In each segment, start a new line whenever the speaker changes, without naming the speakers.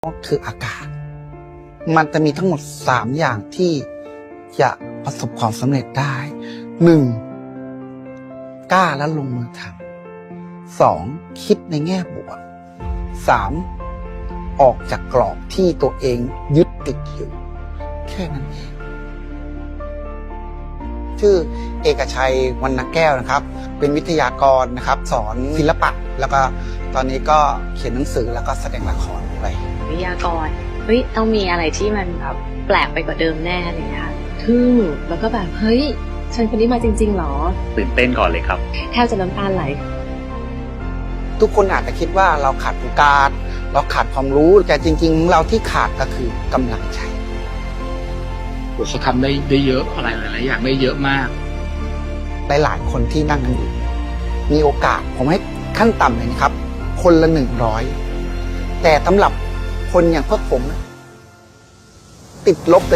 ก็คืออากาศมันจะมีทั้งหมด3อย่างที่จะประสบความสำเร็จได้ 1. กล้าและลงมือทำ 2. คิดในแง่บวก 3. ออกจากกรอบที่ตัวเองยึดติดอยู่แค่นั้นเองชื่อเอกชัยวรรณแก้วนะครับเป็นวิทยากรนะครับสอนศิลปะแล้วก็ตอนนี้ก็เขียนหนังสือแล้วก็แสดงละครด้วย
วิทยากรเฮ้ยต้องมีอะไรที่มันแบบแปลกไปกว่าเดิมแน่เลยค่ะทึ่งแล้วก็แบบเฮ้ยฉันคนนี้มาจริงๆหรอ
ตื่นเต้นก่อนเลยครับ
แทบจะน้ำตาไหล
ทุกคนอาจจะคิดว่าเราขาดโอกาสเราขาดความรู้แต่จริงๆเราที่ขาดก็คือกำลังใจ
เขาทำได้เยอะอะไรหลายๆอย่างได้เยอะมาก
หลายๆคนที่นั่งกันอยู่มีโอกาสผมให้ขั้นต่ำเลยนะครับคนละ100แต่สำหรับคนอย่างพวกผมติดลบไป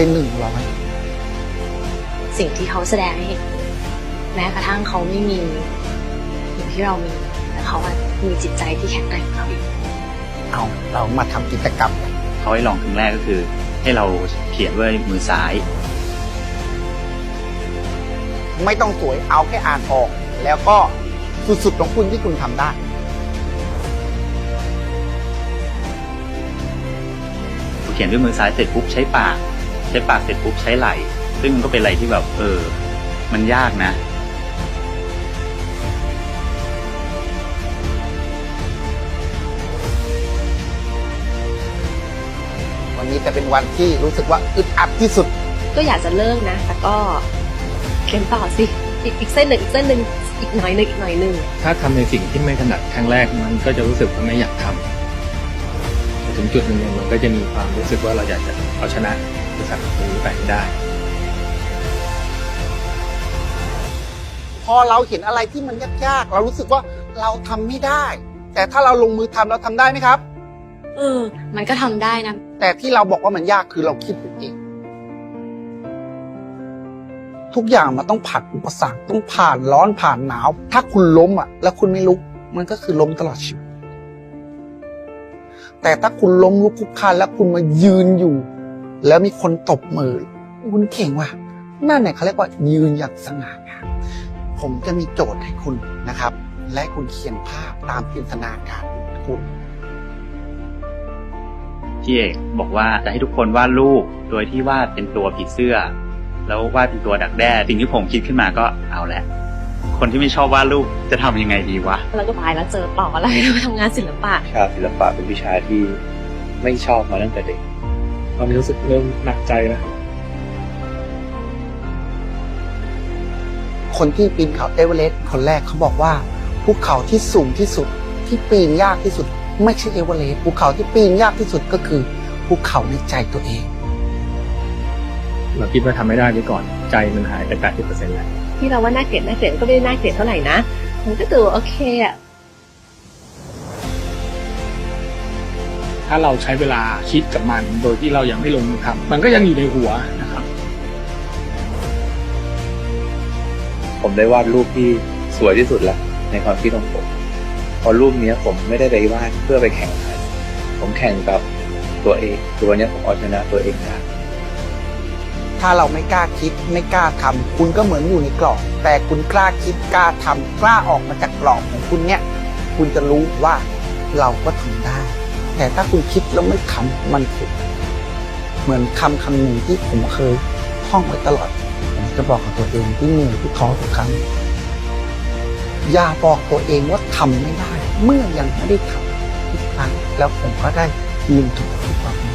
100
สิ่งที่เขาแสดงให้เห็นแม้กระทั่งเขาไม่มีอย่างที่เรามีแต่เขามีจิตใจที่แข็งแกร่งเขาอีก
เรามาทำกิจกรรม
เขาให้ลองครั้งแรกก็คือให้เราเขียนด้วยมือซ้าย
ไม่ต้องสวยเอาแค่อ่านออกแล้วก็สุดๆของคุณที่คุณทำได้
เขียนด้วยมือซ้ายเสร็จปุ๊บใช้ปากเสร็จปุ๊บใช้ไหล่ซึ่งมันก็เป็นอะไรที่แบบมันยากนะ
วันนี้จะเป็นวันที่รู้สึกว่าอึดอัดที่สุด
ก็อยากจะเลิกนะแต่ก็เขียนต่อสิอีกเส้นหนึ่งอีกหน่อยหนึ่ง
ถ้าทำในสิ่งที่ไม่ถนัดครั้งแรกมันก็จะรู้สึกว่าไม่อยากทำถึงจุดหนึ่งมันก็จะมีความรู้สึกว่าเราอยากจะเอาชนะบริษัทนี้ไปได้
พอเราเห็นอะไรที่มันยากๆเรารู้สึกว่าเราทำไม่ได้แต่ถ้าเราลงมือทำเราทำได้ไหมครับ
มันก็ทำได้นะ
แต่ที่เราบอกว่ามันยากคือเราคิดเองทุกอย่างมันต้องผ่านอุปสรรคต้องผ่านร้อนผ่านหนาวถ้าคุณล้มแล้วคุณไม่ลุกมันก็คือล้มตลอดชีวิตแต่ถ้าคุณล้มลุกคลุกคลานแล้วคุณมายืนอยู่แล้วมีคนตบมือคุณเก่งว่ะนั่นเนี่ยเขาเรียกว่ายืนอย่างสง่างามผมจะมีโจทย์ให้คุณนะครับและคุณเขียนภาพตามจินตนาการคุณ
พี่เอกบอกว่าจะให้ทุกคนวาดรูปโดยที่วาดเป็นตัวผีเสื้อแล้ววาดเป็นตัวดักแด้สิ่งที่ผมคิดขึ้นมาก็เอาแหละคนที่ไม่ชอบวาดรูปจะทำยังไงดีวะ
แล้วก็ไปแล้วเจอต่ออะไรทำงานศิลปะ
ศิลปะเป็นวิชาที่ไม่ชอบมาตั้งแต่เด็ก
ตอนนี้รู้สึกเริ่มหนักใจแล้ว
คนที่ปีนเขาเอเวอเรสต์คนแรกเขาบอกว่าภูเขาที่สูงที่สุดที่ปีนยากที่สุดไม่ใช่เอเวอเรสต์ภูเขาที่ปีนยากที่สุดก็คือภูเขาในใจตัวเอง
เราคิดว่าทำไม่ได้ไปก่อนใจมันหายไป 80% แล้ว
ที่เราว่าน่าเกลียดก็ไม่ได้น่าเกลียดเท่าไหร่นะมันก็ดูโอเค
ถ้าเราใช้เวลาคิดกับมันโดยที่เรายังไม่ลงมือทำมันก็ยังอยู่ในหัวนะครับ
ผมได้วาดรูปที่สวยที่สุดแล้วในความคิดของผมพอรูปนี้ผมไม่ได้ไปวาดเพื่อไปแข่งขันผมแข่งกับตัวเองตัวนี้ผมเอาชนะตัวเองได้
ถ้าเราไม่กล้าคิดไม่กล้าทำคุณก็เหมือนอยู่ในกรอบแต่คุณกล้าคิดกล้าทำกล้าออกมาจากกรอบของคุณเนี่ยคุณจะรู้ว่าเราก็ทำได้แต่ถ้าคุณคิดแล้วไม่ทำมันผิดเหมือนคำหนึ่งที่ผมเคยท่องไว้ตลอดผมจะบอกกับตัวเองที่เหนื่อยที่ท้อทุกครั้งอย่าบอกตัวเองว่าทำไม่ได้เมื่อยังไม่ได้ทำทุกครั้งแล้วผมก็ได้ลืมทุกวัน